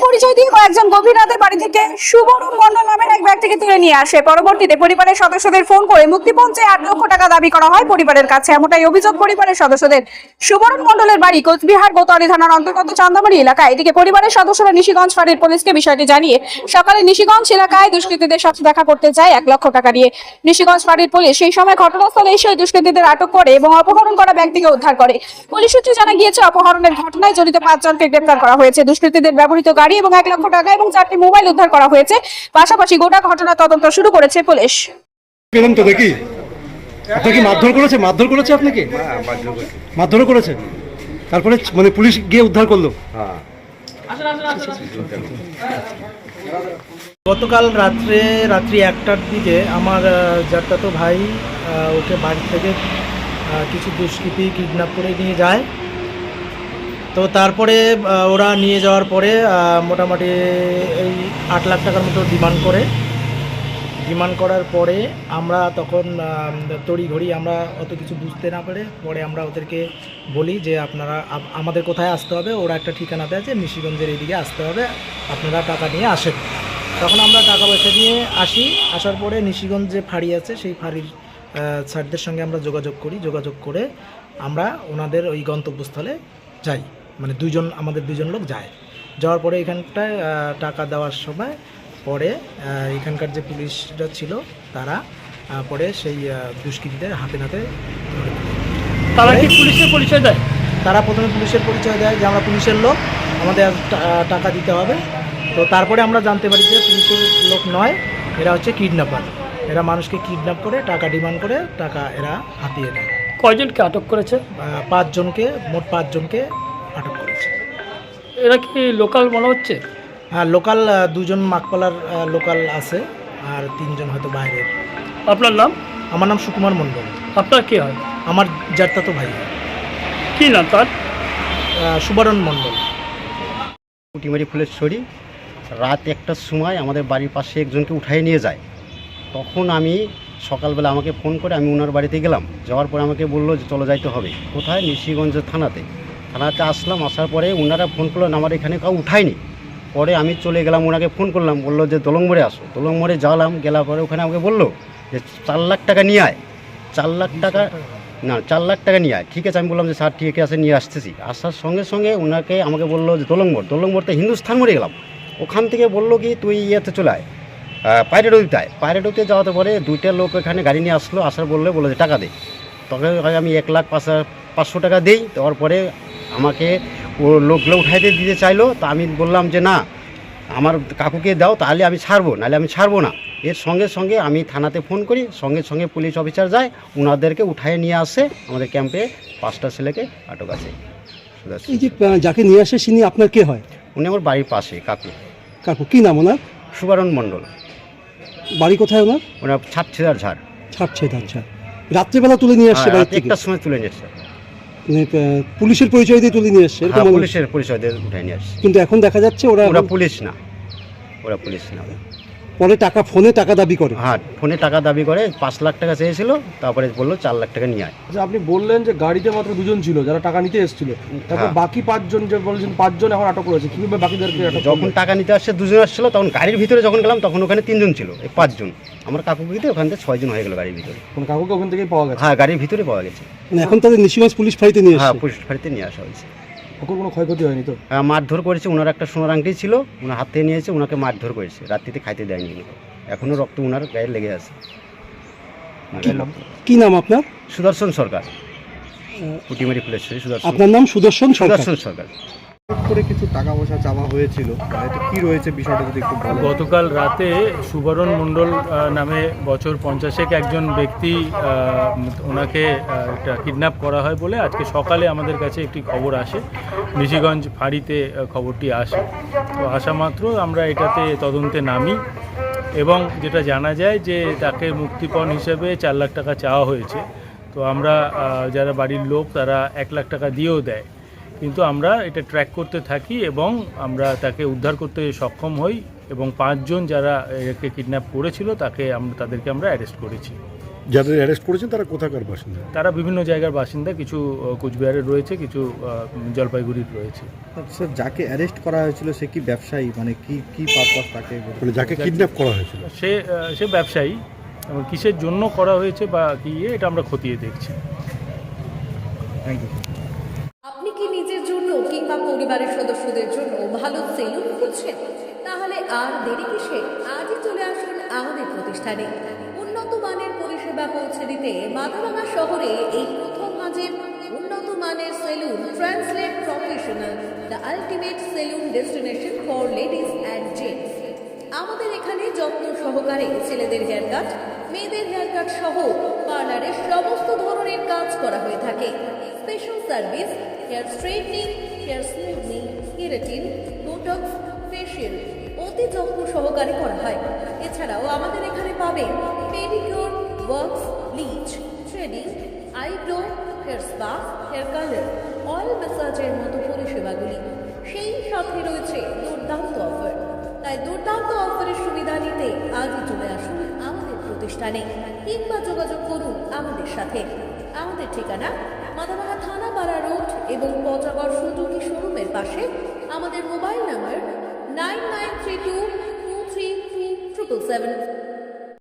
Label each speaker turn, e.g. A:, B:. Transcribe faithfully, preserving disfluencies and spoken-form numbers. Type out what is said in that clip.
A: পরিচয় দিয়ে কয়েকজন গভীর রাতে বাড়ি থেকে সুবরণ মণ্ডল নামের এক ব্যক্তিকে তুলে নিয়ে আসে। পরবর্তীতে পরিবারের সদস্যদের ফোন করে মুক্তিপণ চেয়ে আট লক্ষ টাকা দাবি করা হয় পরিবারের কাছে। এমনটাই অভিযোগ পরিবারের সদস্যদের। সুবরণ মণ্ডলের বাড়ি কোচবিহার গোতারি থানার অন্তর্গত চান্দামারি এলাকায়। এদিকে পরিবারের সদস্যরা নিশিগঞ্জ ফাঁড়ির পুলিশকে বিষয়টি জানিয়ে সকালে নিশিগঞ্জ এলাকায় দুষ্কৃতীদের সাথে দেখা করতে যায় এক লক্ষ টাকা নিয়ে। নিশিগঞ্জ ফাঁড়ির পুলিশ সেই সময় ঘটনাস্থলে এসে দুষ্কৃতীদের আটক করে এবং অপহরণ করা ব্যক্তিকে উদ্ধার করে। পুলিশ সূত্রে জানা গিয়েছে, অপহরণের ঘটনায় জড়িত পাঁচজনকে গ্রেপ্তার করা হয়েছে। দুষ্কৃতীদের ব্যবহৃত গাড়ি এবং এক লক্ষ টাকা এবং চারটি মোবাইল উদ্ধার করা হয়েছে। পাশাপাশি গোটা ঘটনা তদন্ত শুরু করেছে পুলিশ।
B: পেলাম তো দেখি আপনাকে মারধর করেছে মারধর করেছে আপনাকে মারধর করেছে তারপরে মানে পুলিশ গিয়ে উদ্ধার করলো।
C: গতকাল রাত্রে রাত্রি একটার দিকে আমার জ্যাঠাতো ভাই ওকে বাড়ি থেকে কিছু দুষ্কৃতী কিডন্যাপ করে নিয়ে যায়। তো তারপরে ওরা নিয়ে যাওয়ার পরে মোটামুটি এই আট লাখ টাকার মতো ডিমান্ড করে ডিমান্ড করার পরে আমরা তখন তড়িঘড়ি আমরা অত কিছু বুঝতে না পেরে পরে আমরা ওদেরকে বলি যে আপনারা আমাদের কোথায় আসতে হবে। ওরা একটা ঠিকানা দেয় যে নিশিগঞ্জের এইদিকে আসতে হবে, আপনারা টাকা নিয়ে আসেন। তখন আমরা টাকা পয়সা নিয়ে আসি। আসার পরে নিশিগঞ্জ যে ফাঁড়ি আছে সেই ফাঁড়ির স্যারদের সঙ্গে আমরা যোগাযোগ করি। যোগাযোগ করে আমরা ওনাদের ওই গন্তব্যস্থলে যাই, মানে দুইজন আমাদের দুইজন লোক যায়। যাওয়ার পরে এখানটায় টাকা দেওয়ার সময় পরে এখানকার যে পুলিশরা ছিল তারা পরে সেই দুষ্কৃতীদের হাতে নাতে
D: তারা কি পুলিশের পরিচয় দেয়?
C: তারা প্রথমে পুলিশের পরিচয় দেয় যে আমরা পুলিশের লোক, আমাদের টাকা দিতে হবে। তো তারপরে আমরা জানতে পারি যে পুলিশের লোক নয়, এরা হচ্ছে কিডন্যাপার। এরা মানুষকে কিডন্যাপ করে টাকা ডিমান্ড করে টাকা এরা হাতিয়ে নেয়।
D: কয়জনকে আটক করেছে?
C: পাঁচজনকে, মোট পাঁচজনকে আটক করেছে।
D: এরা কি লোকাল মনে হচ্ছে?
C: হ্যাঁ, লোকাল দুজন মাকপালার লোকাল আছে আর তিনজন হয়তো বাইরের।
D: আপনার নাম?
C: আমার নাম সুকুমার মণ্ডল।
D: আপনার কি হয়?
C: আমার জ্যাঠাতো ভাই।
D: কি নাম তার?
C: সুবরণ মণ্ডল।
E: পুটিমারি ফুলেশ্বরী রাত একটার সময় আমাদের বাড়ির পাশে একজনকে উঠাই নিয়ে যায়। তখন আমি সকালবেলা আমাকে ফোন করে আমি ওনার বাড়িতে গেলাম। যাওয়ার পরে আমাকে বললো যে চলে যাইতে হবে। কোথায়? নিশিগঞ্জ থানাতে। থানাতে আসলাম। আসার পরে ওনারা ফোন করলেন, আমার এখানে কাউ উঠায়নি। পরে আমি চলে গেলাম, ওনাকে ফোন করলাম, বললো যে দলং মোড়ে আসো। দলং মোড়ে গেলাম, গেলার পরে ওখানে আমাকে বললো যে চার লাখ টাকা নিয়ে আয়। চার লাখ টাকা না চার লাখ টাকা নিয়ে আয়। ঠিক আছে, আমি বললাম যে স্যার ঠিক আছে নিয়ে আসতেছি। আসার সঙ্গে সঙ্গে ওনাকে আমাকে বললো যে দলং মোড়। দলং মোড়তে হিন্দুস্থান মোড়ে গেলাম। ওখান থেকে বললো কি তুই ইয়েতে চলে আয়, পায়রাডুতে আয়। পায়রাডুতে যাওয়াতে পরে দুইটা লোক এখানে গাড়ি নিয়ে আসলো। আসার বললে বললো যে টাকা দে। তখন আমি এক লাখ পাঁচ পাঁচশো টাকা দিই। দেওয়ার পরে আমাকে ও লোকগুলো উঠাইতে দিতে চাইলো। তা আমি বললাম যে না, আমার কাকুকে দাও, তাহলে আমি ছাড়বো, নাহলে আমি ছাড়বো না। এর সঙ্গে সঙ্গে আমি থানাতে ফোন করি, সঙ্গে সঙ্গে পুলিশ অফিসার যায়, ওনাদেরকে উঠায় নিয়ে আসে আমাদের ক্যাম্পে। পাঁচটা ছেলেকে আটক আছে।
B: এই যে যাকে নিয়ে আসে তিনি আপনার কে হয়?
E: উনি আমার বাড়ির পাশে কাকু।
B: কাকু কি নাম ওনার?
E: সুবরণ মণ্ডল।
B: বাড়ি কোথায় ওনার?
E: ওনার ছাপছেদার ঝাড়।
B: ছাপছেদার আচ্ছা। রাত্রেবেলা তুলে নিয়ে আসছে বাড়ি থেকে?
E: একটার সময় তুলে নিয়ে এসছে।
B: পুলিশের পরিচয় দিয়ে তুলে নিয়ে আসছে?
E: পুলিশের পরিচয় দিয়ে উঠায় নিয়ে আসছে।
B: কিন্তু এখন দেখা যাচ্ছে ওরা
E: ওরা পুলিশ না, ওরা পুলিশ না।
B: পরে টাকা ফোনে টাকা দাবি করে।
E: হ্যাঁ, ফোনে টাকা দাবি করে। পাঁচ লাখ টাকা চেয়েছিল, তারপরে বললো চার লাখ টাকা নিয়ে আয়।
F: আপনি বললেন যে গাড়িতে মাত্র দুজন ছিল যারা টাকা নিতে এসেছিল, তারপর বাকি পাঁচজন যে বলছেন পাঁচজন এখন আটক করেছে, কিভাবে বাকিদেরকে আটক?
E: যখন টাকা নিতে আসছে দুজন আসছিল, তখন গাড়ির ভিতরে যখন গেলাম তখন ওখানে তিনজন ছিল, এই পাঁচজন। আমার কাকুকে দিয়ে ওখান থেকে ছয়জন হয়ে গেল গাড়ির ভিতরে।
F: কোন কাকুকে ওখান থেকেই পাওয়া গেছে?
E: হ্যাঁ, গাড়ির ভিতরে পাওয়া গেছে।
B: মানে এখন তাদের নিশিগঞ্জ পুলিশ ফাঁড়িতে নিয়ে
E: হ্যাঁ,
B: আসছে?
E: পুলিশ ফাঁড়িতে নিয়ে আসা হয়েছে।
F: কাকুর কোনো ক্ষয়ক্ষতি হয়নি তো?
E: হ্যাঁ, মারধর করেছে। ওনার একটা সোনার আংটি ছিল, ওনার হাত থেকে নিয়েছে, ওনাকে মারধর করেছে। রাত্রিতে খাইতে দেয়নি। এখনো রক্ত ওনার গায়ে লেগে আছে।
B: কি নাম আপনার?
E: সুদর্শন সরকার। পুটিমারি ফুলেশ্বরী সুদর্শন।
B: আপনার নাম সুদর্শন সরকার?
E: সুদর্শন সরকার।
F: করে কিছু টাকা পয়সা চাওয়া হয়েছিল, এটা কি রয়েছে বিষয়টা যদি একটু বলেন।
D: গতকাল রাতে সুবরণ মণ্ডল নামে বছর পঞ্চাশেক একজন ব্যক্তি, ওনাকে একটা কিডন্যাপ করা হয় বলে আজকে সকালে আমাদের কাছে একটি খবর আসে। নিশিগঞ্জ ফাঁড়িতে খবরটি আসে। তো আসা মাত্র আমরা এটাতে তদন্তে নামি এবং যেটা জানা যায় যে তাকে মুক্তিপণ হিসেবে চার লাখ টাকা চাওয়া হয়েছে। তো আমরা যারা বাড়ির লোক তারা এক লাখ টাকা দিয়েও দেয়, কিন্তু আমরা এটা ট্র্যাক করতে থাকি এবং আমরা তাকে উদ্ধার করতে সক্ষম হই এবং পাঁচজন যারা একে কিডন্যাপ করেছিল তাকে আমরা তাদেরকে আমরা অ্যারেস্ট করেছি।
G: যাদের অ্যারেস্ট করেছেন তারা কোথাকার বাসিন্দা?
D: তারা বিভিন্ন জায়গার বাসিন্দা, কিছু আহ, কোচবিহারের রয়েছে, কিছু আহ, জলপাইগুড়ির রয়েছে।
H: স্যার যাকে অ্যারেস্ট করা হয়েছিল সে কি ব্যবসায়ী, মানে কি কি পারপাস তাকে?
G: মানে যাকে কিডন্যাপ করা হয়েছিল
D: সে আহ, সে ব্যবসায়ী, এবং কিসের জন্য করা হয়েছে বা কি ইয়ে, এটা আমরা খতিয়ে দেখছি।
H: Thank you.
I: আপনি কি নিজের জন্য কিংবা পরিবারের সদস্যদের জন্য ভালো সেলুন খুঁজছেন? তাহলে আর দেরি কিসে? আজই চলে আসুন আমাদের প্রতিষ্ঠানে। উন্নত মানের পরিষেবা পৌঁছে দিতে মাথাভাঙা শহরে এই প্রথম মাঝের উন্নত মানের salon translate professional, the ultimate salon destination for ladies and gents. আমাদের এখানে যত্ন সহকারে ছেলেদের হেয়ার কাট, মেয়েদের হেয়ার কাট সহ পার্লারের সমস্ত ধরনের কাজ করা হয়ে থাকে। Special service, hair straightening, hair smoothening, keratin, botox, facial অতি যত্ন সহকারে করা হয়। এছাড়াও আমাদের এখানে পাবেন pedicure, wax, bleach, threading, eyebrow, hair spa, hair colour, oil ম্যাসাজের মতো পরিষেবাগুলি। সেই সাথে রয়েছে দুর্দান্ত অফার। তাই দুর্দান্ত অফারের সুবিধা নিতে আজই চলে আসুন আমাদের প্রতিষ্ঠানে কিংবা যোগাযোগ করুন আমাদের সাথে। আমাদের ঠিকানা মাথাভাঙা থানাপাড়া রোড এবং পচাগড় সুজুকি শোরুমের পাশে। আমাদের mobile number nine nine three two two three three triple seven.